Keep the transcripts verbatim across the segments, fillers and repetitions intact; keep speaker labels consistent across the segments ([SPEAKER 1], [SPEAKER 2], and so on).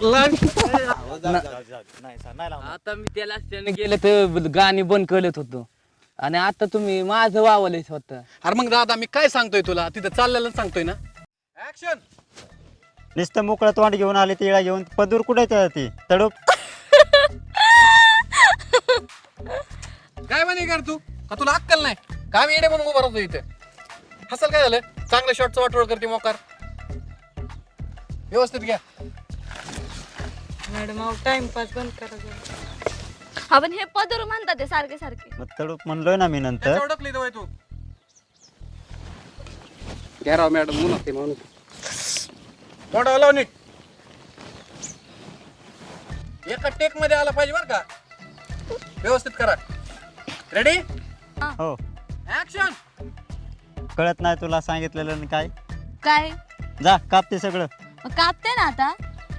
[SPEAKER 1] आता मी त्याला त्याने गेलं तर गाणी बंद करत होतो आणि आता तुम्ही माझं वावलंय स्वतः.
[SPEAKER 2] अरे मग दादा मी काय सांगतोय तुला तिथं चाललेलं सांगतोय ना. ऍक्शन.
[SPEAKER 3] नुसतं मोकळं तोंड घेऊन आले तिळा घेऊन पदूर कुठे ती तडूप.
[SPEAKER 2] काय म्हणे कर तू का तुला अक्कल नाही काय मी येडे म्हणून उभा राहतो इथे. हसल काय झालं चांगल्या शॉटचं वाटोळ करते मोकार. व्यवस्थित घ्या
[SPEAKER 4] मॅडम अहो टाइमपास बंद करा जरा.
[SPEAKER 5] हा पण हे पदर म्हणतात ते सारखे सारखे.
[SPEAKER 3] मग तडूप म्हणलोय ना मी नंतर.
[SPEAKER 2] ओळखली दवाय तू घ्या राव मॅडम म्हणून ते म्हणून तोंडावर लाव नीट. एका टेक मध्ये आला पाहिजे बरं का. व्यवस्थित करा. रेडी
[SPEAKER 3] हो
[SPEAKER 2] ऍक्शन.
[SPEAKER 3] कळत नाही तुला सांगितलेलं आणि काय.
[SPEAKER 5] काय
[SPEAKER 3] जा कापते सगळं.
[SPEAKER 5] मग कापते ना आता.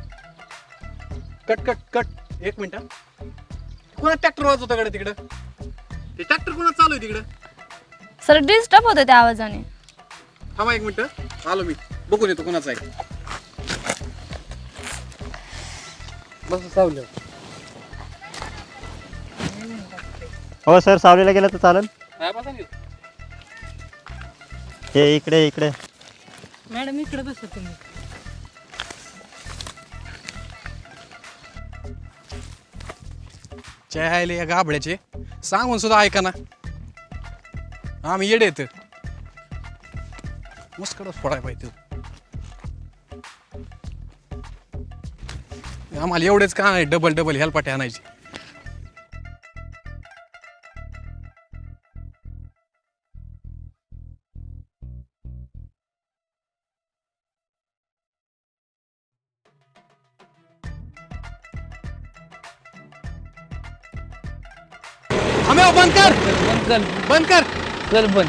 [SPEAKER 2] कट कट कट एक मिनिट. कोणा ट्रॅक्टर वाजवता कडे तिकडं. ते ट्रॅक्टर कोणा चालू आहे तिकडं.
[SPEAKER 5] सर डिस्टर्ब होतं त्या आवाजाने.
[SPEAKER 2] थांबा एक मिनिट आलो मी बघून येतो कोणाचा आहे. बस सावलं.
[SPEAKER 3] हो सर सावलीला गेलं तर चालेल.
[SPEAKER 2] काय बसा नाही.
[SPEAKER 3] हे इकडे इकडे.
[SPEAKER 4] मॅडम इकडे बसा तुम्ही.
[SPEAKER 2] चहायले या गाबड्याचे सांगून सुद्धा ऐका ना. आम्ही येडे येत मुस्कडच फोडाय पाहिजे. आम्हाला एवढेच का नाही डबल डबल हेलपाटे आणायचे. आम्ही बंद कर
[SPEAKER 1] बंद कर
[SPEAKER 2] बंद कर.
[SPEAKER 1] कर बंद.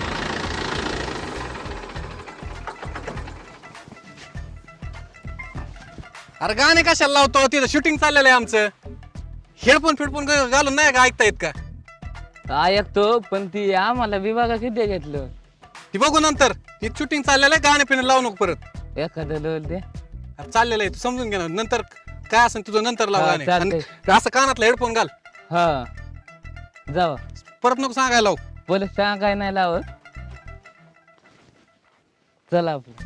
[SPEAKER 2] अरे गाणे कशाला लावतो तिथं शूटिंग चाललेलं आहे आमचं. हेडफोन फिडफोन घालून नाही का ऐकता येत का.
[SPEAKER 1] ऐकतो पण ती आम्हाला विभागा किती घेतलं.
[SPEAKER 2] ती बघू नंतर. ती शूटिंग चाललेलं आहे गाणे पिणे लावू नको परत.
[SPEAKER 1] एखादं लोल दे.
[SPEAKER 2] अरे चाललेलं आहे तू समजून घे ना. नंतर काय असेल तुझं नंतर लाव
[SPEAKER 1] हा,
[SPEAKER 2] गाणे.
[SPEAKER 1] चालतंय.
[SPEAKER 2] आणि असं कानातला हेडफोन घाल.
[SPEAKER 1] हा जावा
[SPEAKER 2] परत नको सांगायला लावू.
[SPEAKER 1] बोल सांग काय नाही लावत. चला आपलं.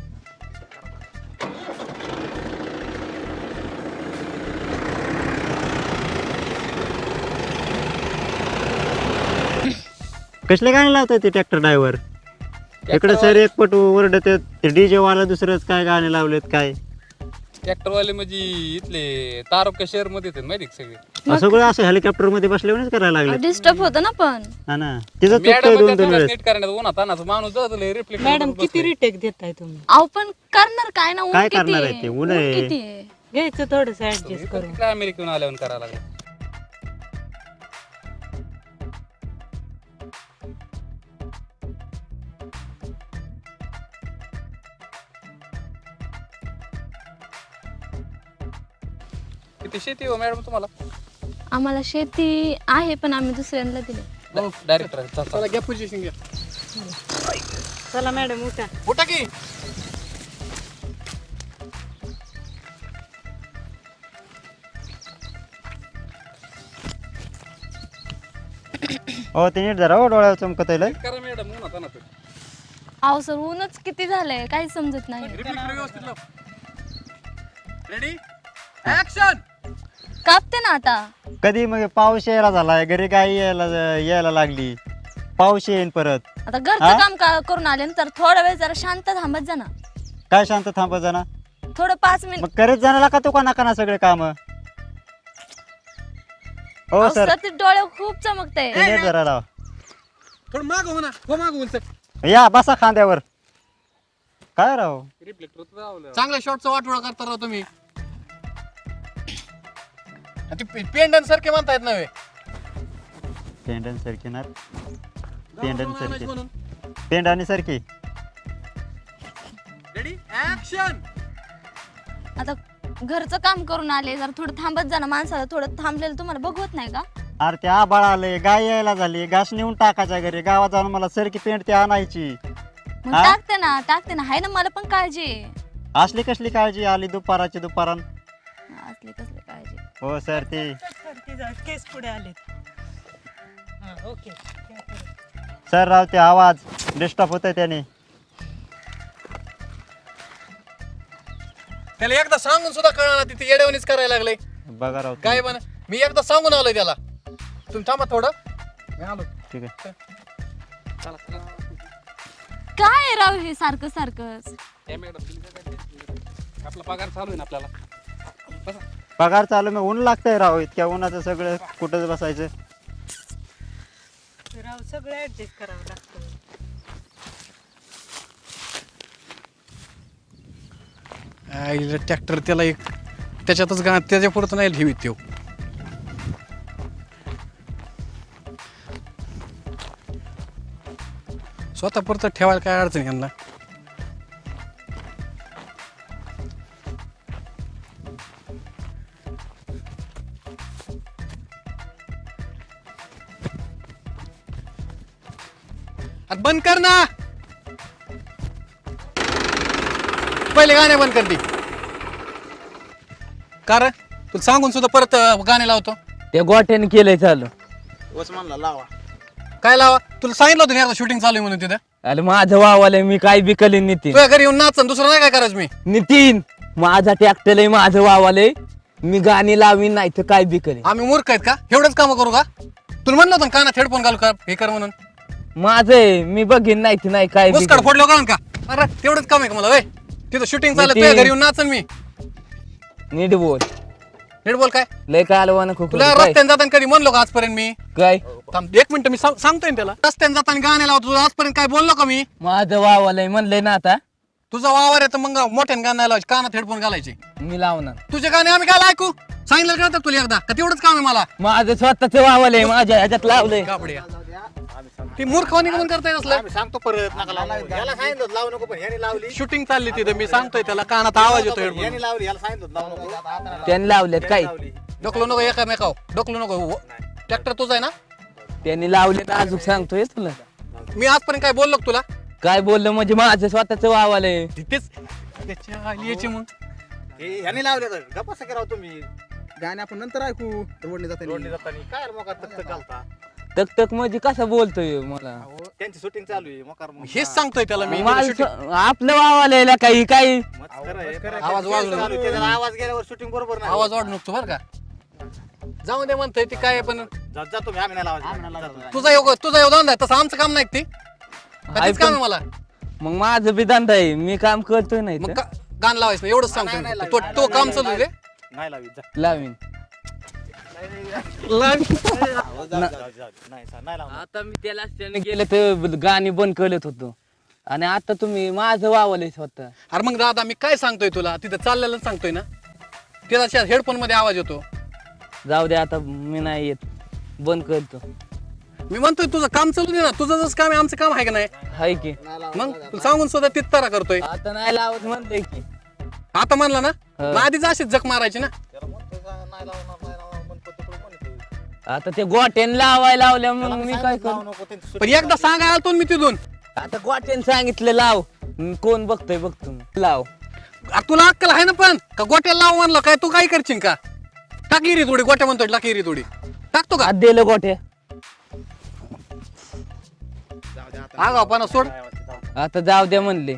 [SPEAKER 3] कसले गाणे लावताय ते ट्रॅक्टर ड्रायव्हर. इकडे सर एक पट ओरडत ते डीजे वाला दुसरंच काय गाणे लावलेत काय.
[SPEAKER 6] ट्रॅक्टरवाले म्हणजे इथले तारुक्या शहर मध्ये आहेत माहिती का सगळे.
[SPEAKER 3] सगळं असं हेलिकॉप्टर मध्ये बसल्यावरच करायला लागले.
[SPEAKER 5] डिस्टर्ब होतं ना पण.
[SPEAKER 3] हा ना तिचं चुकतंय दोन दोन वेळेस.
[SPEAKER 6] नीट करण्यात उन्हात तानाचा माणूस जातो रिफ्लेक्ट.
[SPEAKER 4] मॅडम किती रिटेक देताय तुम्ही.
[SPEAKER 5] अहो पण करणार काय ना. ऊन
[SPEAKER 3] काय
[SPEAKER 5] किती
[SPEAKER 3] करणार
[SPEAKER 5] आहे?
[SPEAKER 3] आहे ते? ऊन
[SPEAKER 5] ऊन
[SPEAKER 3] आहे.
[SPEAKER 5] किती आहे.
[SPEAKER 4] घ्यायचं थोडस ऍडजस्ट करून.
[SPEAKER 6] काय अमेरिकेहून आल्यावर करायला लागलं. किती शेती हो मॅडम तुम्हाला.
[SPEAKER 5] आम्हाला शेती आहे पण आम्ही दुसऱ्यांना दिले.
[SPEAKER 6] डायरेक्टर
[SPEAKER 2] चला घ्या पोझिशन घ्या.
[SPEAKER 4] चला मॅडम उठा.
[SPEAKER 2] उठा की.
[SPEAKER 3] हो ते नीट जरा हो डोळ्यावर चमकत आहे.
[SPEAKER 6] करा मॅडम उन्हात तानाचं.
[SPEAKER 5] अहो सर ऊनच किती झालंय काही समजत नाही.
[SPEAKER 2] रिफ्लेक्टर व्यवस्थित लाव. Ready action.
[SPEAKER 5] कापते ना आता.
[SPEAKER 3] कधी मग पाऊस यायला झालाय घरी गाई यायला यायला लागली. पाऊस येईन परत.
[SPEAKER 5] आता घरचं
[SPEAKER 3] हा?
[SPEAKER 5] काम का करून आले ना तर थोडा वेळ जरा शांत थांबत जा ना.
[SPEAKER 3] काय शांत थांबत जाणार.
[SPEAKER 5] थोडं पाच मिनिट.
[SPEAKER 3] मग करत जाणार का तू का नका सगळे काम. हो सर
[SPEAKER 5] सर ते डोळे खूप चमकते.
[SPEAKER 3] ते नीट जरा लावा.
[SPEAKER 2] थोडं माग हो ना. हो माग बोलत.
[SPEAKER 3] या बसा खांद्यावर. काय राव
[SPEAKER 6] रिफ्लेक्टर
[SPEAKER 2] चांगल्या शॉटचा वाटोळा करता राव तुम्ही. पेंडन सारखे म्हणतायत नव्हे.
[SPEAKER 3] पेंडन सारखी ना. पेंडन सारखी
[SPEAKER 2] म्हणून.
[SPEAKER 3] पेंडानी सारखी.
[SPEAKER 2] Ready action.
[SPEAKER 5] आता घरचं काम करून आले जरा थोडं थांबत जा ना. माणसाला थोडं थांबलेलं तुम्हाला बघवत नाही का.
[SPEAKER 3] अरे ते आबाळ आले गाय यायला झाली घास नेऊन टाकायच्या घरी गावात जाऊन मला सरकी पेंट ते आणायची.
[SPEAKER 5] मग
[SPEAKER 3] हा?
[SPEAKER 5] टाकते ना टाकते ना. हाय ना मला पण काळजी आहे.
[SPEAKER 3] असली कसली काळजी आली दुपाराची दुपारान.
[SPEAKER 5] असले कसले काळजी.
[SPEAKER 3] हो सर ते
[SPEAKER 4] सर तिचा केस पुढे आलेत. हा ओके.
[SPEAKER 3] सर राव ते आवाज डिस्टर्ब होतोय त्याने.
[SPEAKER 2] त्याला एकदा सांगून सुद्धा कळणार तिथे येड्यावणीच करायला लागले.
[SPEAKER 3] बघा राव
[SPEAKER 2] काय बन मी एकदा सांगून आलोय त्याला. तुम्ही थांबा थोडं, मी आलो.
[SPEAKER 3] ठीक आहे.
[SPEAKER 2] चला चला.
[SPEAKER 5] काय आहे राव हे सारखं सारखंच.
[SPEAKER 6] ए मॅडम तुम्ही काय करताय? आपला पगार चालू आहे ना आपल्याला. बसा.
[SPEAKER 3] पगार चालू मग ऊन लागतंय राव. इतक्या उन्हाचं सगळं कुठंच बसायचं.
[SPEAKER 4] राव सगळं ऍडजस्ट करावं लागतं.
[SPEAKER 2] ट्रॅक्टर त्याला एक त्याच्यातच गा त्याच्या पुढं नाही ठेवीत तो. स्वतः पुरतं ठेवायला काय अडचण यांना. आता बंद कर ना, पहिले गाणे बंद कर ती. कार तुला सांगून सुद्धा परत गाणे लावतो.
[SPEAKER 1] त्या गोट्याने केलंय चालू.
[SPEAKER 2] काय लावा, तुला सांगितलं होतं ना शूटिंग चालू आहे म्हणून तिथं.
[SPEAKER 1] अरे माझं वावालय, मी काय बी कलीन नितीन.
[SPEAKER 2] तुझ्या घरी येऊन नाच, दुसरं नाही काय करायचं मी.
[SPEAKER 1] नितीन माझा ट्रॅक्टर आहे, माझं वावालय, मी गाणी लावीन नाही तर काय बी करीन.
[SPEAKER 2] आम्ही मूर्ख आहेत का, एवढंच काम करू का. तुला म्हणलं होतं ना कानात हेडफोन घालू का हे कर म्हणून.
[SPEAKER 1] माझं आहे, मी बघीन नाही तर नाही काय बी
[SPEAKER 2] मुस्काड
[SPEAKER 1] करीन.
[SPEAKER 2] फोडलो का का. अरे तेवढंच काम आहे का मला. वय तिथं शूटिंग चालत
[SPEAKER 1] नितीन.
[SPEAKER 2] तुझ्या घरी येऊन नाचन मी.
[SPEAKER 1] नीट बोल,
[SPEAKER 2] नीट बोल. काय
[SPEAKER 1] लय काय आलं नको
[SPEAKER 2] तुला
[SPEAKER 1] काय
[SPEAKER 2] रस्त्याने जाताना कधी म्हणलो का आजपर्यंत मी.
[SPEAKER 1] काय
[SPEAKER 2] थांब एक मिनिट, मी सांग- सांगतोय ना त्याला. रस्त्याने जाताना गाणे लावतो, तुला आजपर्यंत काय बोललो का मी.
[SPEAKER 1] माझं वावालय म्हणलंय ना आता
[SPEAKER 2] तुझा वावर आहे तर मग मोठ्याने गाणं लावायचे, कानात हेडफोन घालायचे.
[SPEAKER 1] मी लावणार.
[SPEAKER 2] तुझे गाणे आम्ही काय ऐकू. सांगितलं का तुला एकदा का तेवढंच काम आहे मला.
[SPEAKER 1] माझं स्वतःच वावालय, माझ्या ह्याच्यात लावलंय.
[SPEAKER 2] कापड्या ती मूर्खवानी म्हणून करताय असलं.
[SPEAKER 3] सांगतो परत नका लावू. याला सांगितलं लावू नको, पण ह्याने लावली.
[SPEAKER 2] शूटिंग चालली तिथं, मी सांगतोय त्याला कानात आवाज येतो हेडफोन.
[SPEAKER 3] लावली, याला सांगितलं लावू नको.
[SPEAKER 1] त्यांनी लावलेत काय,
[SPEAKER 2] डोकलो नको एकामेकाव, डोकलो नको. ट्रॅक्टर तुझा आहे ना.
[SPEAKER 1] त्यांनी लावलेत अजून सांगतोय तुला.
[SPEAKER 2] मी आजपर्यंत काय बोललो का तुला.
[SPEAKER 1] काय बोललं म्हणजे माझं स्वतःच वावालय.
[SPEAKER 2] तिथेच त्याच्या आली याची मग.
[SPEAKER 3] ह्याने लावले तर गप्पा करावं तुम्ही. गाणे आपण नंतर ऐकू. रोडने जाताना रोडने जाताना काय रे मोकार तक घालता.
[SPEAKER 1] तक तक म्हणजे कसं बोलतोय मला.
[SPEAKER 3] त्यांची शूटिंग चालू आहे मोकार.
[SPEAKER 2] हेच सांगतोय त्याला मी.
[SPEAKER 1] माझं
[SPEAKER 2] shooting-
[SPEAKER 1] स्व- आपलं वावालय काही काही
[SPEAKER 2] आवाज वाढवला.
[SPEAKER 3] आवाज गेल्यावर शूटिंग बरोबर नाही.
[SPEAKER 2] आवाज वाढ नको बरं का. जाऊ दे म्हणतोय ती काय पण.
[SPEAKER 3] जातो मी. आम्ही नाही लावायचं.
[SPEAKER 2] तुझा योग तुझा योग धंदा आहे, तसं आमचं काम नाही का ते. तेच काम आहे मला.
[SPEAKER 1] मग माझं बी धंदा आहे, मी काम करतोय नाही
[SPEAKER 2] मग
[SPEAKER 1] तर.
[SPEAKER 2] का- गाणं लावायचं नाही एवढंच सांगतोय मी. तो तो काम चालू दे.
[SPEAKER 3] नाही लावी जा.
[SPEAKER 1] लावीन.
[SPEAKER 3] नाही नाही लावणार.
[SPEAKER 1] आता मी त्याला त्याने गेलं तर गाणी बंद करत होतो आणि आता तुम्ही माझं वावलंय स्वतः.
[SPEAKER 2] अरे मग दादा मी काय सांगतोय तुला, तिथं चाललेलं सांगतोय ना. त्याचा हेडफोन मध्ये आवाज येतो.
[SPEAKER 1] जाऊ दे आता, मी नाही येत, बंद करतो.
[SPEAKER 2] मी म्हणतोय तुझं काम चालू दे ना. तुझं जसं काम आहे आमचं काम आहे का नाही.
[SPEAKER 1] हाय की
[SPEAKER 2] मग तुला सांगून सुद्धा तिथं करतोय.
[SPEAKER 1] आता नाही लावत म्हणतोय की.
[SPEAKER 2] आता म्हणला ना,
[SPEAKER 1] हा.
[SPEAKER 2] मग आधीच अशीच जक मारायची ना.
[SPEAKER 1] आता ते गोट्याने लावायला लावल्या मग मी काय करू.
[SPEAKER 2] पण एकदा सांगायला आलतो ना मी तिथून.
[SPEAKER 1] आता गोट्याने सांगितलं लाव, मी कोण बघतोय बघतो मी. लाव.
[SPEAKER 2] अरे तुला अक्कल आहे ना पण का गोट्याला लाव म्हणलं काय. तू काय करशील का. टाकी रे थोडी गोट्या म्हणतोय टाकी रे थोडी. टाकतो का.
[SPEAKER 1] आत दिलं गोट्या.
[SPEAKER 2] आगाव पाना सोड.
[SPEAKER 1] आता जाऊ द्या म्हणले.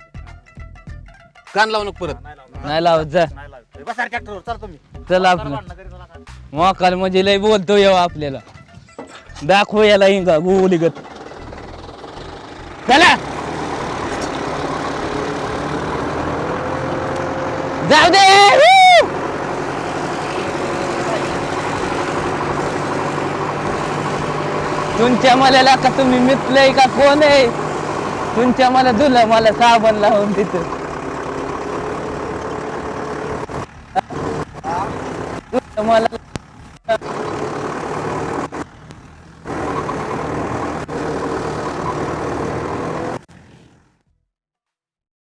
[SPEAKER 2] गाण लावू नको परत.
[SPEAKER 1] नाही लावत जा.
[SPEAKER 3] बसा ट्रॅक्टरवर चाल तुम्ही.
[SPEAKER 1] चला आपलं मोकाल म्हणजे लय बोलतो येऊ आपल्याला. दाखव याला हिंगा गोली गत. चला जाऊ दे. Woo! तुमच्या मला का तुम्ही मितलंय का कोण आहे. तुमच्या मला धुलं मला साबण लावून तिथं. मला